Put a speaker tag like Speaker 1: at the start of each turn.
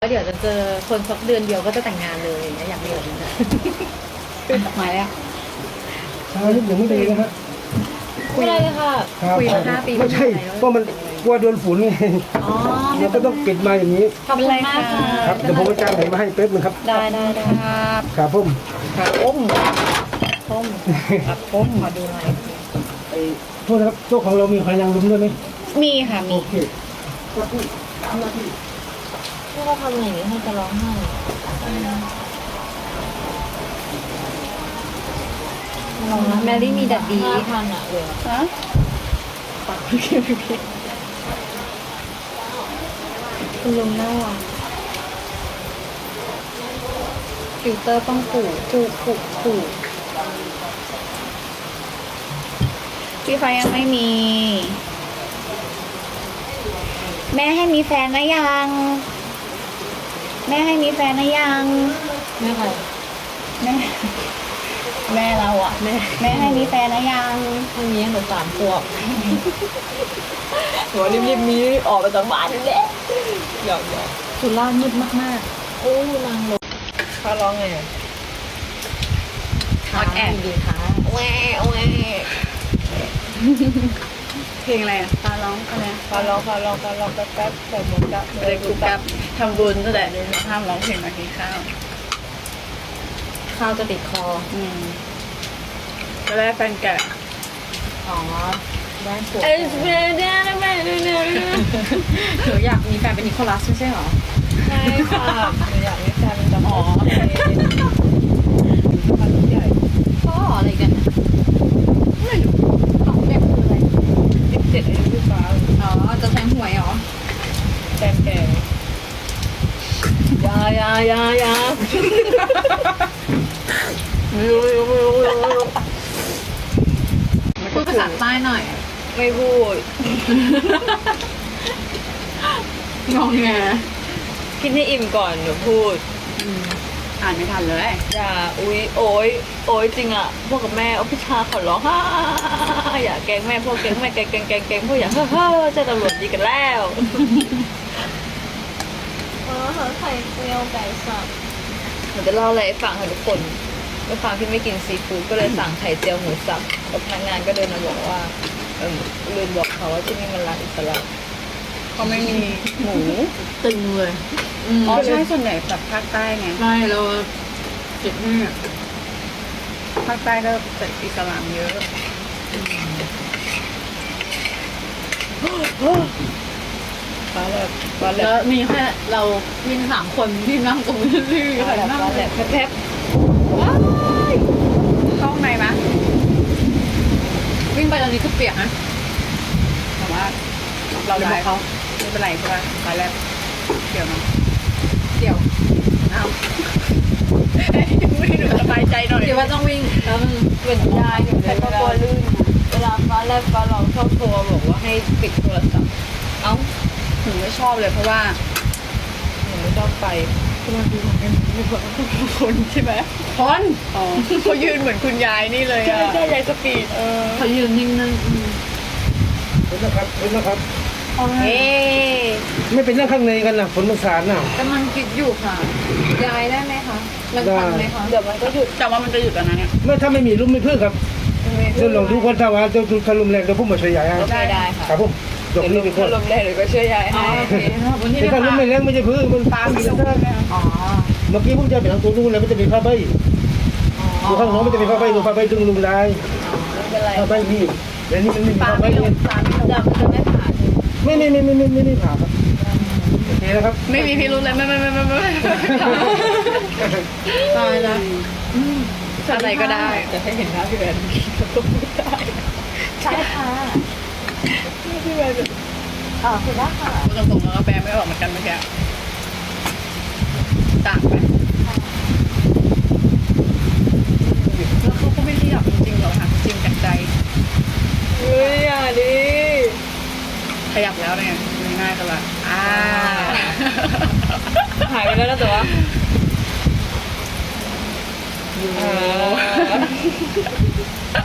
Speaker 1: เดี๋ยวจะเจอคนสักเดือนเดียวก็จะแต่งงานเลยอย่างเงี้ยอยากมีแบบนี้นะมาแล้ว
Speaker 2: ช้านิดหนึ่งไม่ดีนะฮะ
Speaker 1: ไม่ได้เลยค่ะ
Speaker 2: ครับ
Speaker 1: คุยมา5 ปี
Speaker 2: ไม่ใช่เพราะมันกลัวโดนฝุ่นไง
Speaker 1: อ๋อ
Speaker 2: เราก็ต้องปิดมาอย่างนี้
Speaker 1: ขอบคุณมากค่ะ
Speaker 2: ครับเดี๋ยวผมจะจ้างไหนมาให้แป๊บนึงครับ
Speaker 1: ได้ครับ
Speaker 2: ครับผม
Speaker 1: ครับต้มต้มมาดูหน่อย
Speaker 2: ไอ้โทษนะครับโต๊ะของเรามีใครยังรุมด้วยไหม
Speaker 1: มีค่ะมี
Speaker 2: โอเคครับพี่ทำหน้าที่
Speaker 1: ถ้าเราทำอย่างนี้ให้จะร้องไห้ลองนะแมรี่มีดัดดีทันอ่ะเลยฮะปักคุณลุงน่ารักฟิลเตอร์ต้องผูก
Speaker 3: พี่ไฟยังไม่มี แม่ให้มีแฟนนะยัง แม่ให้มีแฟนนะยัง
Speaker 1: แม่ใคร
Speaker 3: แม่ แม่เราอ่ะ
Speaker 1: แม่
Speaker 3: แม่ให้มีแฟนนะยัง
Speaker 1: ท่านนี้หนู3 ขวบหัวรีบๆมีออกไปจากบ้านนี่แหละหยอกสุรามืดมากๆโอ้นางลงเขาร้องไงอ่ะ
Speaker 3: ออดแอด
Speaker 1: ดีค่ะ
Speaker 3: แหวะแหวะเพลงอะไรอ่ะฟ้าร้องอะไร
Speaker 1: เขาร้องแป๊บแบบเหมือนกับ
Speaker 3: เลยกูกับทำบุญตั้งแต่ห้ามร้องเพลงมากินข้าว
Speaker 1: ข้าวจะติดคอ
Speaker 3: ก็ได้แฟนแกะ
Speaker 1: อ๋อได้ปวด
Speaker 3: เอ้ยแม่เนี่ยแม่เนี่ย
Speaker 1: หนูอยากมีแฟนเป็นนิโคลัสไม่ใช่หรอ
Speaker 3: ใช่ค่ะ
Speaker 1: หนูอยากมีแฟนเป็นจำ
Speaker 3: อ๋อ
Speaker 1: พ่ออะไรกันของเด็กคืออะไร
Speaker 3: 17อายุพี่ฟ้า
Speaker 1: อ๋อจะแทงหวยเหรอ
Speaker 3: แฟนแกะ
Speaker 1: ยาไม่รู้พูดภาษาใต้หน่อย
Speaker 3: ไม่พูด
Speaker 1: งงแง
Speaker 3: คิดให้อิ่มก่อนเดี๋ยวพูด
Speaker 1: อ่านไม่ทันเลย
Speaker 3: อย่าอุ๊ยโอ๊ยจริงอ่ะพวกกับแม่เอาพิชาขอร้องฮ่าอย่าแกล้งแม่พวกแกล้งแม่แกล้งพวกอย่าเฮ้อเจ้าตำรวจดีกันแล้ว
Speaker 1: ไข่เจียวไก่สับ
Speaker 3: หนูจะเล่าอะไรให้ฟังค่ะทุกคนด้วยความที่ไม่กินซีฟู้ดก็เลยสั่งไข่เจียวหมูสับแล้วพนักงานก็เดินมาบอกว่าลืมบอกเขาว่าที่นี่มันร้านอิสระเขาไม่มีหมู
Speaker 1: ตึงเลย
Speaker 3: อ๋อใช่ส่วนใหญ่แบบภาคใต้ไง
Speaker 1: ใช่เราเจ็บแม่
Speaker 3: ภาคใต้ก็เป็นอิสลามเยอะฟ้าแลบ
Speaker 1: แล้วมีแค่เราวิ่ง3 คนที่นั่งตรงนี้ที่
Speaker 3: ฟ้า
Speaker 1: หัน
Speaker 3: แลบ
Speaker 1: หน้า
Speaker 3: ฟ้าแลบแพบ
Speaker 1: เข้าข้างในมะวิ่งไปตอนนี้คือเปียกนะ
Speaker 3: แต่ว่า
Speaker 1: เราจะบอกเขา
Speaker 3: ไม่เป็นไรใช่ป่ะฟ้าแลบเดี๋ยวนะ
Speaker 1: เดี๋ยว
Speaker 3: อ้าวไม่หนูสบายใจหน่อย
Speaker 1: เดี๋ยวว่าต้องวิ่งแล้วมัน
Speaker 3: เป็นยายหนูแต่ก็กลัวลื่นเวลาฟ้าแลบฟ้าร้องชอบโทรบอกว่าให้ปิดโทรศัพท์เอ้าหนูไม่ชอบเลยเพราะว่าหนูไม่ชอบไป
Speaker 1: มันดูเหมือนกัน
Speaker 3: คนใช่ไหม
Speaker 1: คน
Speaker 3: อ๋อเขายืนเหมือนคุณยายนี่เลยอ่ะใช่ยายสปีด
Speaker 1: เขายืนนิ่งๆ
Speaker 2: เป็นนะครับ
Speaker 3: เฮ้
Speaker 2: ไม่เป็นเรื่องข้างในกันนะฝนมันสาดน่ะ
Speaker 1: กำลังคิดอยู่ค่ะยายได้ไหมคะมันทันไหมคะ
Speaker 3: เดี๋ยวมันก็หยุดแต่ว่ามันจะหยุดตอนนั้นเนี่ย
Speaker 2: ไม่ถ้าไม่มีลุ่มไม่เพื่อครับเดี๋ยวลองดูคนถ้าว่าจะทะลุแรงเดี๋ยวผมมาช่วยยายให้
Speaker 3: ได้ค่ะ
Speaker 2: ครับผมยกนี้ไปก่อน
Speaker 3: ลมแรงหรือก็ช่วยยาย
Speaker 1: อ๋อ
Speaker 3: ให้
Speaker 1: โอเคขอบคุณที่
Speaker 2: แต่
Speaker 1: ได้
Speaker 2: ถ้าลุ่ม
Speaker 1: ค่ะ
Speaker 2: ไม่แรงไม่ใช่พื้นมันตามอยู่แล้ว
Speaker 1: อ๋อ
Speaker 2: เมื่อกี้ผมจะไปทางตัวนู้นแล้วมันจะมีผ้าใบดูข้างโน้นมันจะมีผ้าใบดูผ้าใบดึงลุงได้
Speaker 3: ไม่เป็นไร
Speaker 2: ผ้าใบมีแต่นี่มันไม่มี
Speaker 3: ฟ้า
Speaker 2: ผ้าใบ
Speaker 3: ไม่ล
Speaker 2: เนี่
Speaker 3: ง
Speaker 2: ย
Speaker 3: ฟ้าไม่ลงมันจะไม่ผ่าน
Speaker 2: ไม่ผ่าครับโอเคนะครับ
Speaker 3: ไม่มีพิรุธเลยไม่
Speaker 1: ตายแล้ว
Speaker 3: อะไรก็ได้
Speaker 1: จะให้เห็นหน้าพี่แวนใช่ค่ะ
Speaker 3: พี่แม่
Speaker 1: คุณว่าค่ะ
Speaker 3: พูดตรงๆแล้วก็แปลไม่ออกเหมือนกันเมื่อกี้ต่างไหมแล้วเขาก็ไม่ได้อยากจริงๆหรอกค่ะจริงจากใจเฮ้ยอย่าดิขยับแล้วเนี่ยง่ายๆก็ละหายไปแล้วนะแต่ว่าโอ้